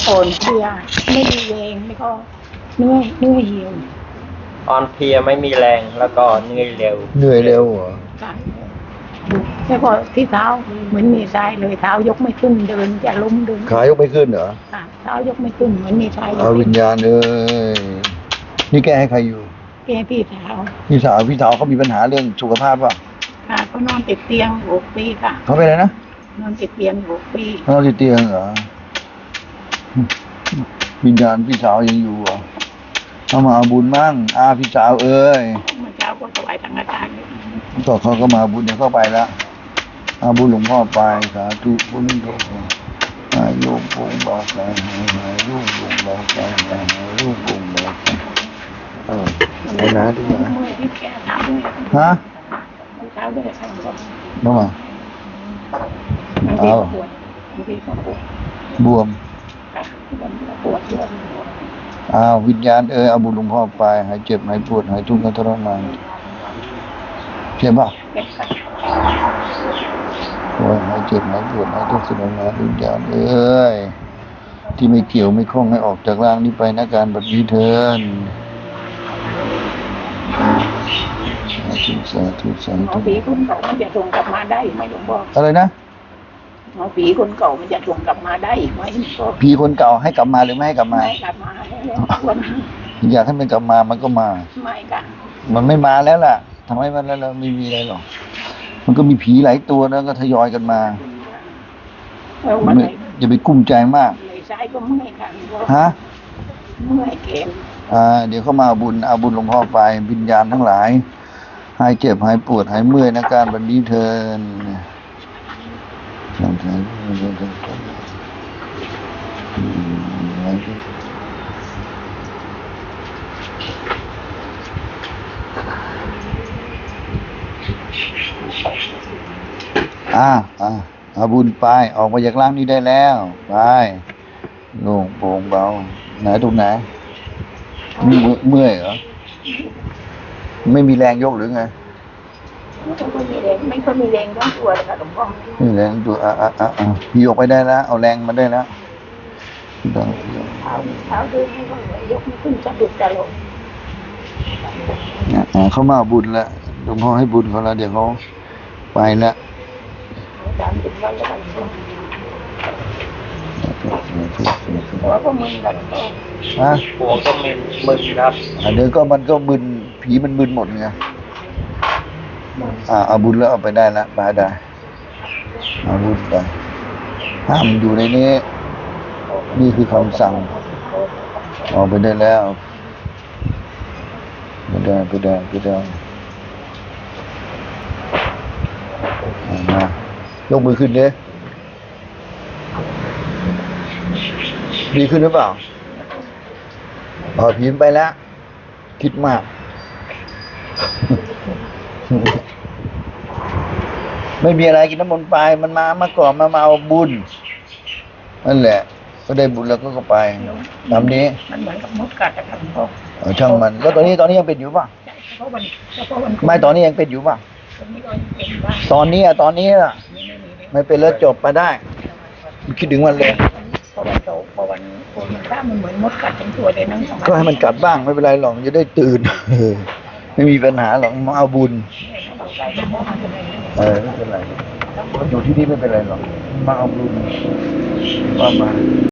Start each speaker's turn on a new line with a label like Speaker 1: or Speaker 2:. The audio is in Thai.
Speaker 1: อ่อนเพลียไม่มีแรงแล้วก็เนื้อเหี่ยว
Speaker 2: อ่อนเพลียไม่มีแรงแล้วก็เหนื่อยเร็ว
Speaker 3: เหนื่อยเร็วเหรอ
Speaker 1: ใช่แล้วก็ที่เท้าเหมือนมีทรายเลยเท้ายกไม่ขึ้นเดินจะล้มเดิน
Speaker 3: ขายกไม่ขึ้นเหรอ
Speaker 1: ค่ะเท้ายกไม่ขึ้นเหมือนมีทราย
Speaker 3: เอาวิญญาณเอ้ยนี่แกให้ใครอยู่
Speaker 1: แกพี่สาว
Speaker 3: พี่สาวเขามีปัญหาเรื่องสุขภาพป่ะ
Speaker 1: ค่ะเขานอนติดเตียง6 ปีค่ะ
Speaker 3: เขาเป็นอะไรนะ
Speaker 1: นอนติดเตียง6 ปี
Speaker 3: เขาติดเตียงเหรอวิญญาณพี่สาวยังอยู่เหรอเขามาเอาบุญมั่งพี่สาวเอ้ย
Speaker 1: เมื่อเช้าก็ถวายสังฆทาน
Speaker 3: ต่อเขาก็มาบุญเดี๋ยวเข้าไปละเอาบุญหลวงพ่อไปสาธุบุญโยมหายโยมปุงเบาใจหายลูกปุงเบาใจหายลูกปุงเบาใจไอ้นะดูนะ
Speaker 1: เมื่อที่แกเท้าด้วย
Speaker 3: ฮะ
Speaker 1: เท้าด้วยค่ะก็
Speaker 3: น้องมา
Speaker 1: บางทีก็ปวดบางทีก็ปวด
Speaker 3: บวม
Speaker 1: ค่ะบางทีก็ปวดด้วย
Speaker 3: วิญญาณเอาบุญหลวงพ่อไปหายเจ็บหายปวดหายทุกข์หายทรมานเจ็บป่ะ
Speaker 1: แกก็
Speaker 3: โอ้ยหายเจ็บหายปวดหายทุกข์ทรมานวิญญาณที่ไม่เกี่ยวไม่คล้องให้ออกจากร่างนี้ไปนะการแบบนี้เถินสาธุสา
Speaker 1: หมอ
Speaker 3: ธุ
Speaker 1: ผีคนเก่ามันจะส่งกลับมาได้ไหมหลวงพ่อ
Speaker 3: อะไรนะ
Speaker 1: หมอผีคนเก่ามันจะส่งกลับมาได้ไหมหลวงพ่อ
Speaker 3: ผีคนเก่าให้กลับมาหรือไม่ให้กลับมา
Speaker 1: ไม่กลับมาแล้ววันนี้
Speaker 3: อยากให้มันกลับมามันก็มา
Speaker 1: ไม่ค่ะ
Speaker 3: มันไม่มาแล้วล่ะทำไมมันแล้วไม่มีอะไรหรอกมันก็มีผีหลายตัวนะก็ทยอยกันมา
Speaker 1: แล้ววันไหน
Speaker 3: อย่าไปกุ้มใจมาก
Speaker 1: เลยซ้ายก็เมื่อยค่ะหลวงพ่อ
Speaker 3: ฮะ
Speaker 1: เมื่อยแขน
Speaker 3: เดี๋ยวเขามาเอาบุญหลวงพ่อไปวิญญาณทั้งหลายหายเจ็บหายปวดหายเมื่อยนะการบันนี้เทินเอาบุญไปออกมาจากร่างนี้ได้แล้วไปโล่งโปร่งเบาไหนตรงไหนเมื่อยเหรอไม่มีแรงยกหรือไง
Speaker 1: ไม่ค่อยมีแรงไม่ค่อยมีแรงทั้งตัวเลยค่ะหลวงพ่อ
Speaker 3: ไม่มีแรงตัวพี่ยกไปได้แล้วเอาแรงมาได้แล้ว
Speaker 1: เท้าเดินไม่ค่อยไหวยกไม่ขึ้นสะดุดจะลง
Speaker 3: เขามาเอาบุญแล้วหลวงพ่อให้บุญเขาแล้วเดี๋ยวเขาไปแล้ว
Speaker 1: 30 วันแล้วกันหัวก็มึนกันหลวงพ่อ
Speaker 2: หัวก็มึนครับ
Speaker 3: เดี๋ยวก็มันก็มึนผีมันมึนหมดไงเอาบุญแล้วเอาไปได้แล้วไปได้เอาบุญไปห้ามอยู่ในนี้นี่คือคำสั่งเอาไปได้แล้วไปได้มายกมือขึ้นดิดีขึ้นหรือเปล่าผีไปแล้วคิดมาก ไม่มีอะไรกินน้ำมนต์ไปมันมาก่อนมาเอาบุญนั่นแหละก็ได้บุญแล้วก็ไปตามนี้
Speaker 1: มันเหมือนกับมดกัดอะค่ะหลวงพ่อ
Speaker 3: ช่างมันแล้วตอนนี้ยังเป็นอยู่ป่ะ
Speaker 1: ใช่เพราะวัน
Speaker 3: ไม่ตอนนี้ยังเป็นอยู่ป่ะ
Speaker 1: ตอนนี้ก็ยังเป็นบ้าง
Speaker 3: ตอนนี้ล่ะไม่เป็นแล้วจบไปได้คิดถึงมันเลย
Speaker 1: พอวันถ้ามันเหมือนมดกัดทั้งตัวเลยนั่งสมาธิ
Speaker 3: ก็ให้มันกัดบ้างไม่เป็นไรหรอกจะได้ตื่น ไม่มีปัญหาหรอกมาเอาบุญไม่เป็นไรอยู่ที่นี่ไม่เป็นไรหรอกมาเอาบุญว่ามา